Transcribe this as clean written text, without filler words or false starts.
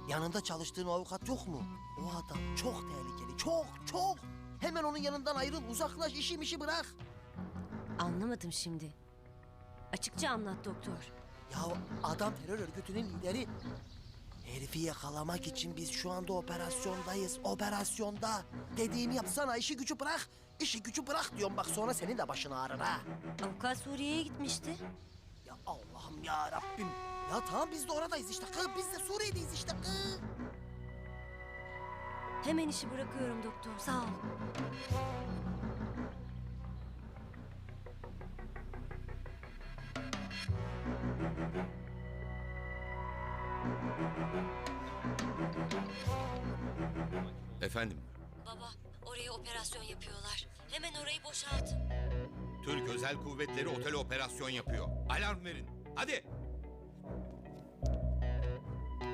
Yanında çalıştığın o avukat yok mu? O adam çok tehlikeli, çok. Hemen onun yanından ayrıl, uzaklaş, işi bırak. Anlamadım şimdi. Açıkça anlat doktor. Ya adam terör örgütünün lideri. Herifi yakalamak için biz şu anda operasyondayız. Operasyonda. Dediğimi yapsana, işi gücü bırak. İşi gücü bırak diyorum, bak sonra senin de başın ağrır ha. Avukat Suriye'ye gitmişti. Ya Allah'ım ya Rabbim. Ya tamam biz de oradayız işte kız. Biz de Suriye'deyiz işte kız. Hemen işi bırakıyorum doktor. Sağ ol. Efendim, Baba, oraya operasyon yapıyorlar. Hemen orayı boşaltın. Türk Özel Kuvvetleri otele operasyon yapıyor. Alarm verin. Hadi.